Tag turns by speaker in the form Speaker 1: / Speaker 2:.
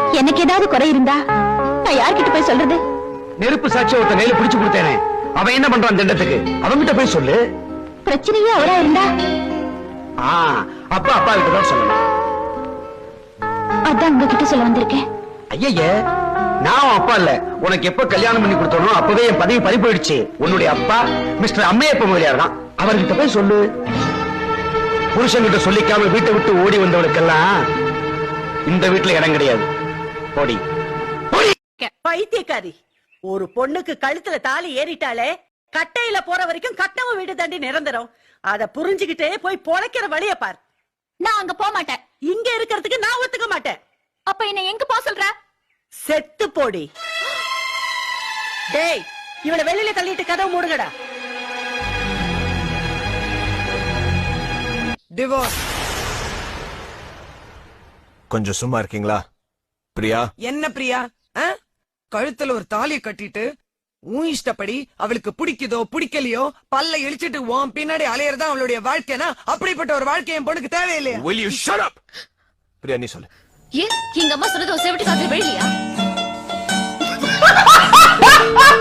Speaker 1: எனக்கு ஏதாவது குறை இருந்தா நான் யார்கிட்ட போய் சொல்றது?
Speaker 2: நெருப்பு சாட்சி ஒருத்த கையில பிடிச்சு கொடுத்தேனே, அவன் என்ன பண்றான் திண்டத்துக்கு? அவன்கிட்ட போய் சொல்லு.
Speaker 1: பிரச்சனையே அவரா இருந்தா
Speaker 2: அப்பா அப்பா கிட்ட தான் சொல்லணும்.
Speaker 1: அதான் உங்ககிட்ட சொல்ல வந்திருக்கேன்.
Speaker 2: ஐயே, நான் அப்பா இல்ல. உனக்கு எப்ப கல்யாணம் பண்ணி கொடுத்தனோ அப்பவே என் பதவி பறி போயிடுச்சு. உன்னுடைய அப்பா மிஸ்டர் அம்மையப்ப முதலியார் தான். அவர்கிட்ட போய் சொல்லு. புருஷன்கிட்ட சொல்லிக்காம வீட்டை விட்டு ஓடி வந்தவளுக்கெல்லாம் இந்த வீட்டுல இடம் கிடையாது. ஓடி
Speaker 3: பைத்தியக்காரி, ஒரு பொண்ணுக்கு கழுத்துல தாலி ஏறிட்டாலே கட்டையில போற வரைக்கும் கட்டவ வீடு தாண்டி நிரந்தரம். அத புரிஞ்சுகிட்டே போய் பொழைக்கிற வழிய பார்.
Speaker 1: நான் அங்க போக மாட்டேன்.
Speaker 3: இங்க இருக்கிறதுக்கு நான் ஒத்துக்க மாட்டேன்.
Speaker 1: அப்ப என்ன எங்க போக சொல்ற?
Speaker 3: செத்து போடி. டேய், இவளை வெளியில தள்ளிட்டு கதவு மூடுங்கடா.
Speaker 4: டிவோர்ஸ்.
Speaker 5: கொஞ்சம் சும்மா இருக்கீங்களா? பிரியா.
Speaker 4: என்ன பிரியா? கழுத்துல ஒரு தாலியை கட்டிட்டு உன் இஷ்டப்படி அவளுக்கு பிடிக்குதோ பிடிக்கலையோ பல்ல இழிச்சிட்டு உன் பின்னாடி அலையறதா அவளுடைய வாழ்க்கைனா, அப்படிப்பட்ட ஒரு வாழ்க்கை என் பொண்ணுக்கு தேவையில்லையா?
Speaker 5: Will you shut up? Priya நீ சொல்லு.
Speaker 1: ஏன் எங்க அம்மா சொன்னது செவிட்டு காதுல விழலையா?